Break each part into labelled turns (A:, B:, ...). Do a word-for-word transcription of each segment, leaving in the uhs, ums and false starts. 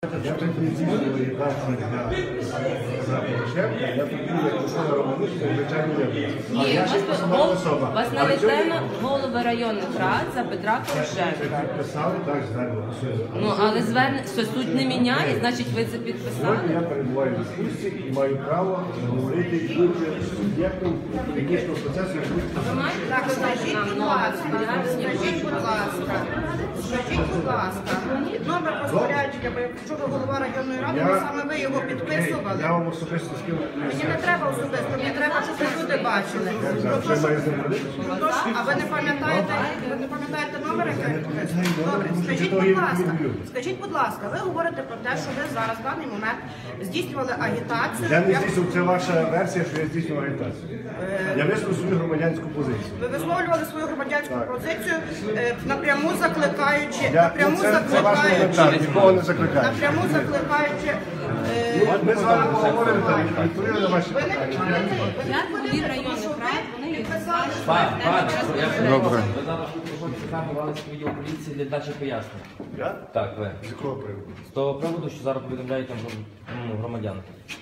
A: Я тут не здійснював редакцію за Порошенка, я тут був як Микола Романишин, звичайно, я.
B: Ні, вас, вас налетено голови районних рад за Петра Порошенка.
A: Підписали, так, звернення.
B: Ну, але звернення, що суть не міняє, значить ви це підписали?
A: Сьогодні я перебуваю в дискусії і маю право говорити і бути суб'єктом технічного процесу.
B: Ви маєте
C: Так, скажіть, будь ласка, скажіть, будь ласка, скажіть, будь ласка, номер розпорядження, бо якщо ви голова районної ради, ви саме ви його підписували.
A: Я вам особисто скину.
C: Мені не треба особисто, мені треба, щоб люди бачили.
A: Вже має зробити.
C: А ви не пам'ятаєте, ви не пам'ятаєте номер, який ви підписували? Добре, скажіть, будь ласка, скажіть, будь ласка, ви говорите про те, що ви зараз в даний момент здійснювали агітацію.
A: Я не здійснював, це ваша версія, що я здійснював агітацію. Я висловив свою громадянську позицію.
C: Ви висловлювали свою громадянську позицію, е, напряму закликаючи,
A: Я,
C: напряму
A: це, це ваш коментар,
C: закликаючи,
A: нікого не закликаю.
C: напряму закликаючи. е,
A: Ми з вами поговоримо та відповіли на ваші
C: Ви не
A: питання.
C: підтримуєте, ви не
B: Як голів
C: підтримуєте,
B: районних
C: що
B: рад,
C: ви
B: вони
C: підписали.
D: Пан, пан, я вже
A: Добре.
D: ви зараз запропонували відділ поліції для дачі пояснень.
A: Я?
D: Так, ви.
A: З якого приводу?
D: З того приводу, що зараз повідомляють там ну, громадян.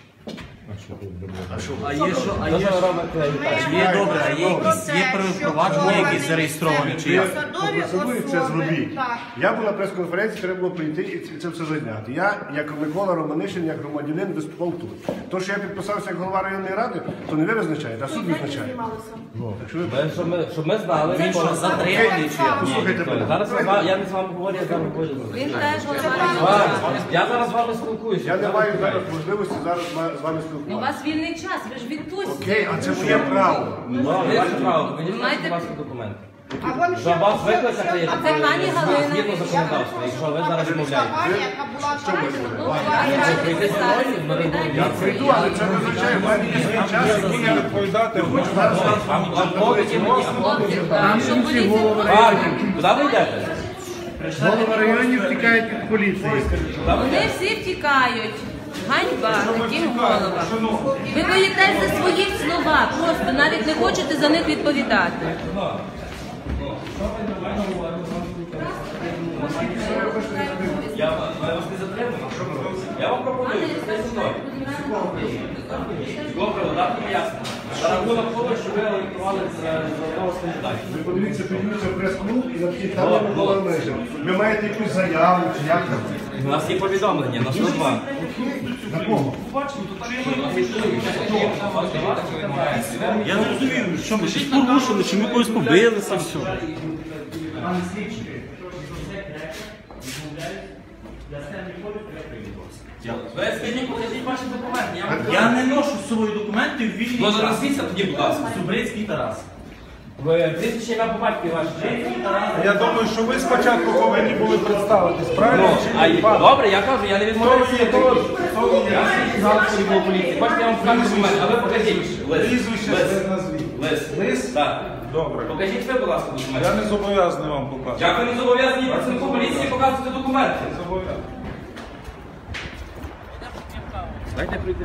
A: А що?
E: А є що, а
D: Що
E: є
D: ви
E: що?
D: робите агітацію?
E: Є добре, а є якісь є провадження, якісь зареєстровані чи як?
C: Посадові
A: Голосуй, це
C: особи,
A: зробіть.
C: так.
A: Я був на прес-конференції, треба було прийти і це- це все зайняти. Я, як Микола Романишин, як громадянин, виступав тут. То, що я підписався як голова районної ради, то не ви визначаєте, а суд визначає. Ну, так що ви-
D: Ви, щоб, ми, щоб ми знали,
C: Це
D: він
C: що,
D: що
C: затриманий чи як?
A: Послухайте мене.
D: Зараз я, з вами- я не з вами говорю, я з вами говорю.
B: Він теж голова
D: З
B: районної
D: вами.
B: ради.
D: Я зараз з вами спілкуюся.
A: Я не маю зараз можливості зараз з вами
B: У
A: спілкуватися.
B: вас вільний час, ви ж відпустці.
A: Окей, а це моє право.
D: Ну, ваше право, мені
B: Ви маєте-
D: будь ласка, документи.
C: А вон ще-
D: Щоб вас
C: ще-
D: викликати,
C: ще-
D: є
B: А це пані Галина.
D: згідно законодавства, якщо ви зараз відмовляєте.
C: Компанія, яка була
A: Що ви
C: вчора,
B: Ну,
A: говорите?
B: голова ради
D: прийти зі
B: підписали,
D: мною, ми
B: відповідає
A: Я
B: поліції.
A: прийду, але це не означає, в мене є свій час, який я відповідати.
D: Вам вам повіді мені, а
B: Хлопці, а що поліція?
D: Пані, куди ви йдете?
A: Голова районів втікають від поліції.
B: Вони всі втікають. Ганьба таким головам. Ви боїтесь за свої слова, просто навіть не хочете за них відповідати.
D: Я вас не затримую. Я вам пропоную, це зі мною. Добре, дати пояснення. За рахунок того, що ви електрували з одного з кандидатів.
A: Ви подивіться, підніться в прес-клуб і напишіть там Микола Романишин. Ви маєте якусь заяву чи як там?
D: У нас є повідомлення на сто два.
A: На кого?
E: Я не розумію, що ми щось порушили, чи ми когось побилися, все.
D: Ви скажіть, покажіть ваші документи. Я вам
E: Я не ношу з собою документи в вільний
D: Ну,
E: час.
D: назвіться тоді, будь ласка.
E: Субрицький Тарас.
D: Ви прізвище ім'я по батькові ваше.
F: Я думаю, що ви спочатку повинні були представитись, правильно?
D: Ну, а й- добре, я кажу, я не відмовляюся від того. Я знав, що відділ поліції. Хочете, я вам покажу документи, а ви покажіть. Лист.
F: Прізвище
D: Лист.
F: назвіть.
D: Лист.
F: Лист?
D: Так.
F: Добре.
D: Покажіть ви, будь ласка, документи.
F: Я не зобов'язаний вам показати.
D: Як ви не зобов'язані працівнику поліції показувати документи?
F: Зобов'язаний.
D: Дайте прийти.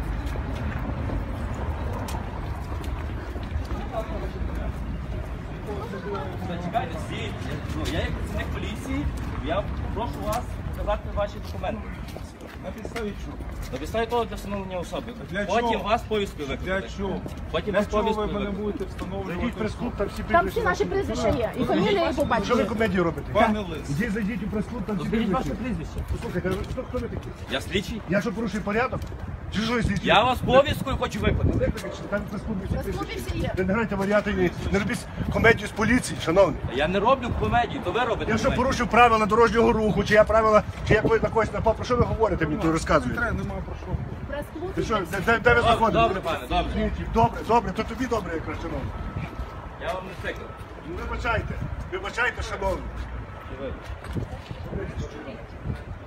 D: Зачекайте, всі. Ну, я як працівник поліції, я прошу вас показати ваші документи.
F: На підставі чого?
D: На підставі того для встановлення особи.
F: Для
D: Потім
F: чого?
D: вас повістку
F: Для
D: викликати.
F: чого?
D: Потім
F: Для
D: вас
F: чого
D: повістку
F: ви мене
D: викликати.
F: будете
A: Зайдіть в
F: встановлювати?
A: прес-клуб, там всі
G: Там всі наші прізвища є. І фамілія, і по
A: Що ви
G: батькові.
A: комедію робите?
F: Пане Лис,
A: Ідіть, зайдіть у прес-клуб, там всі
D: Скажіть ваше
A: прізвища.
D: прізвище.
A: Послухайте, ви- хто, хто ви такі?
D: Я слідчий.
A: Я що порушую порядок? Чи що я слідчий?
D: Я вас повісткою хочу викликати.
A: Викликайте, що там в прес-клубі всі
G: В клубі
A: прізвища.
G: всі є.
A: Ви не грайте варіати, ні. Не робіть комедію з поліції, шановні.
D: Я не роблю комедію, то ви робите
A: Я що
D: комедію.
A: порушив правила дорожнього руху, чи я правила, чи я на когось напав, про що ви говорите мені, то розказуєте?
F: треба, нема про що.
G: Прес-клуб.
A: Ти що, де, де, де ви
D: Добре,
A: знаходитесь?
D: добре, пане, добре.
A: Слідчий, Добре, добре, то тобі добре, якраз, шановний.
D: Я вам не цикл.
A: Ну, вибачайте, вибачайте, шановні.
D: І ви.